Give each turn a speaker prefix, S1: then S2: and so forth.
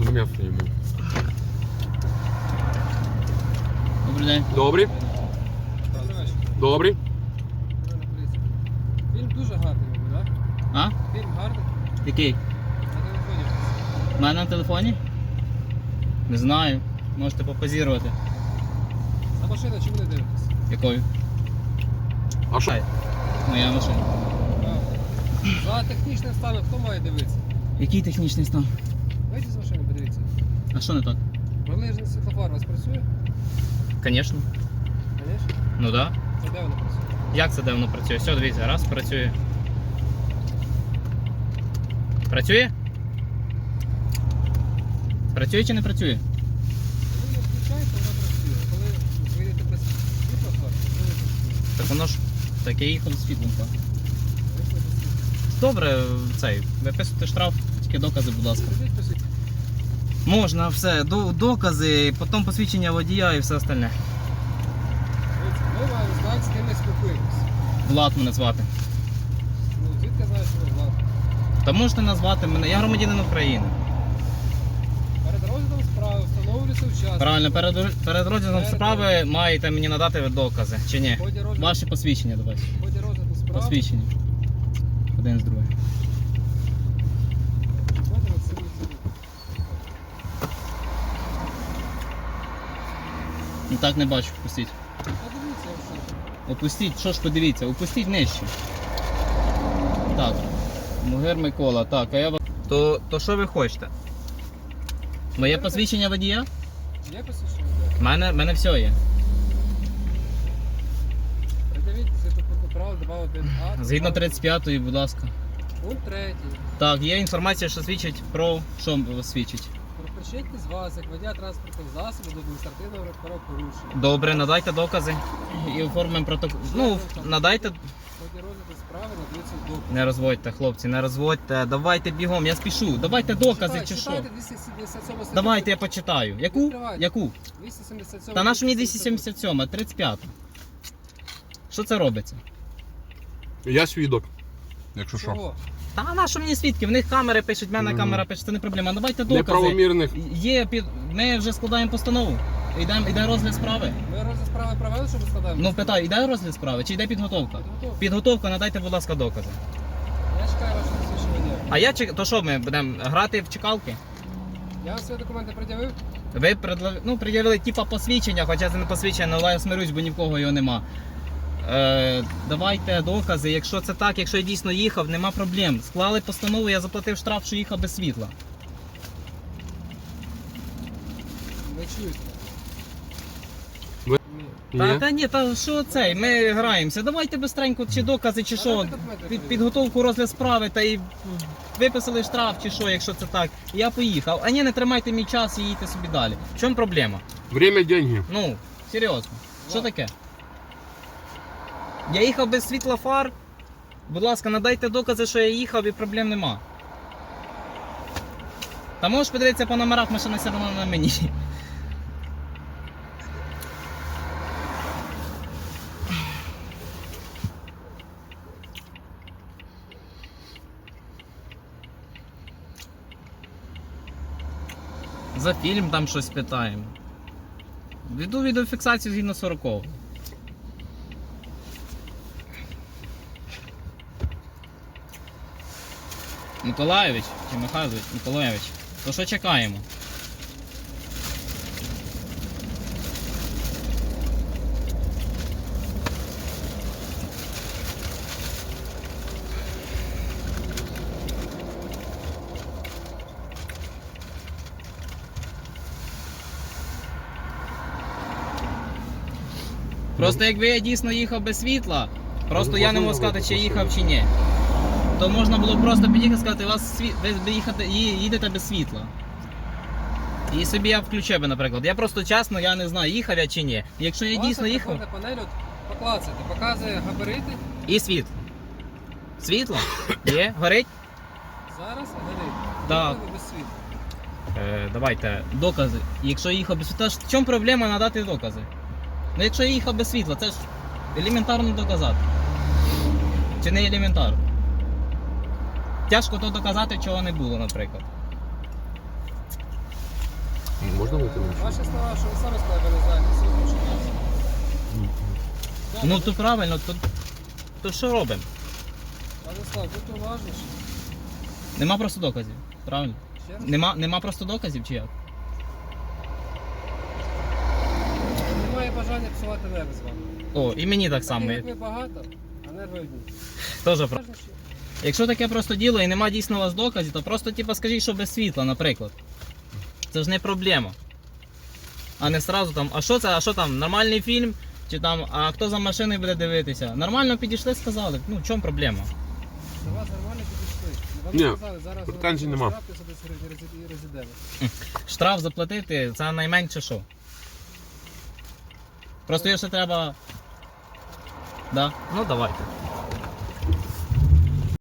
S1: м'ясо йому.
S2: Добрий день.
S1: Добрий? Добрий?
S3: Фільм дуже гарний, так?
S2: А?
S3: Фільм гарний.
S2: Який?
S3: На телефоні.
S2: У мене на телефоні? Не знаю. Можете попозірувати.
S3: За машину чому не дивитесь?
S2: Якою?
S1: А що?
S2: Моя машина.
S3: За технічним станом хто має дивитися?
S2: Який технічний стан?
S3: Вийдіть з машини, подивіться.
S2: А що не так?
S3: Прилежний світлофар у вас працює?
S2: Звісно.
S3: Звісно.
S2: Ну так. Да.
S3: Це де воно працює?
S2: Як це давно працює? Все, дивіться, раз працює. Працює? Працює чи не працює?
S3: Коли не включаєте, воно працює. А коли вийдете без світлофар, то не працює.
S2: Так воно ж таке їхало з світлом. Так.
S3: Вийшли без світла.
S2: Добре, цей, виписуйте штраф, тільки докази, будь ласка.
S3: Скажіть, по суті.
S2: Можна, все, докази, потім посвідчення водія і все остальне.
S3: Дивіться, ми маємо знати, з ким ми спілкуємося.
S2: Влад мене звати.
S3: Ну, звідки знаєш, що ви влад?
S2: Та можете назвати мене, я громадянин України.
S3: Перед розглядом справи встановлюється учасник.
S2: Правильно, перед розглядом справи маєте мені надати докази, чи ні?
S3: В ході розгляду-
S2: Ваші посвідчення давайте.
S3: В ході розгляду справи.
S2: Посвідчення. Один з другим.
S3: Смотримо, це не це.
S2: Ну так не бачу, опустіть.
S3: Подивіться, якщо.
S2: Опустіть, що ж подивіться, опустіть нижче. Так. Мугир Микола, так, а я вас. То що ви хочете? Моє посвідчення водія?
S3: Є посвідчення?
S2: Мене все є.
S3: Придивіть світопутне право 2.1а.
S2: Згідно 35-ї, будь ласка.
S3: Пункт 3.
S2: Так, є інформація, що свідчить про що свідчить.
S3: Про причетність вас, як водія транспортних засобів до адміністративного правопорушення.
S2: Добре, надайте докази і оформимо протокол. Ну, надайте.
S3: В ході розгляду справи надаються докази.
S2: Не розводьте, хлопці, не розводьте. Давайте бігом, я спішу. Давайте докази чи що.
S3: Читайте 277 статтю.
S2: Давайте я почитаю. Яку?
S3: Відкривайте.
S2: Яку?
S3: 277.
S2: Та наша мені 277, 35. Що це робиться?
S1: Я свідок, якщо що.
S3: Чого?
S2: Та наша мені свідки, в них камери пишуть, в мене камера пише, це не проблема. Давайте докази.
S1: Неправомірних.
S2: Є, ми вже складаємо постанову. Іде розгляд справи.
S3: Ми розгляд справи провели, що ми складаємо?
S2: Ну питаю, іде розгляд справи чи йде підготовка?
S3: Підготовка.
S2: Підготовка, надайте, будь ласка, докази.
S3: Я чекаю ваше посвідчення водія.
S2: А я то що ми будемо грати в чекалки?
S3: Я вам свої документи пред'явив?
S2: Ви пред'явили типа посвідчення, хоча це не посвідчення, але я смирюсь, бо ні в кого його нема. Давайте докази, якщо це так, якщо я дійсно їхав, нема проблем. Склали постанову, я заплатив штраф, що їхав без світла.
S3: Не чуєте.
S1: Ви-
S3: Ні.
S1: Ні.
S2: Та ні, та що цей, ми граємося. Давайте бистренько, чи докази, чи що,
S3: Давайте документи перевіримо.
S2: підготовку розгляд справи, та й виписали штраф, чи що, якщо це так. І я поїхав. А ні, не тримайте мій час і їдьте собі далі. В чому проблема?
S1: Время, деньги.
S2: Ну, серйозно. Що таке? Я їхав без світла фар. Будь ласка, надайте докази, що я їхав і проблем нема. Та можеш подивитися по номерах, машина все одно на мені. За фільм там щось питаємо. Веду відеофіксацію згідно 40-го. Миколайович чи Михайлович? Миколайович. То що чекаємо? Просто якби я дійсно їхав без світла, просто я не можу сказати, чи я їхав, чи ні. То можна було просто під'їхати і сказати, ви їдете без світла. І собі я включив би, наприклад. Я просто чесно, я не знаю, їхав я чи ні. Якщо я дійсно їхав.
S3: Ваша приборна панель, от, поклацайте, показує габарити.
S2: І світ. Світло? Є? Горить?
S3: Зараз горить.
S2: Так.
S3: Їхали без світла.
S2: Давайте, докази. Якщо я їхав без світла, в чому проблема надати докази? Ну якщо я їхав без світла, це ж елементарно доказати. Чи не елементарно? Тяжко то доказати, чого не було, наприклад.
S1: Можна вийти на
S3: Ваші слова, що ви самі сказали, ви не знаєте, світло чи ні.
S2: Ну то правильно, то що робимо?
S3: Владислав, будьте уважніші.
S2: Нема просто доказів, правильно?
S3: Ще раз.
S2: Нема просто доказів чи як?
S3: Немає бажання псувати нерви з вами.
S2: О, і мені так само.
S3: Таких, як ви багато, а нерви одні.
S2: Теж правда.
S3: Уважніші.
S2: Якщо таке просто діло і нема дійсно у вас доказів, то просто типу, скажіть, що без світла, наприклад. Це ж не проблема. А не сразу там, а що це, а що там, нормальний фільм? Чи там, а хто за машиною буде дивитися? Нормально підійшли, сказали. Ну, в чому проблема?
S3: До вас нормально підійшли. Вам
S1: Ні,
S3: сказали, зараз
S1: претензій нема.
S3: штрафи за 10 гривень і резидент.
S2: Штраф заплатити, це найменше що. Просто його ще треба. Да? Ну давайте.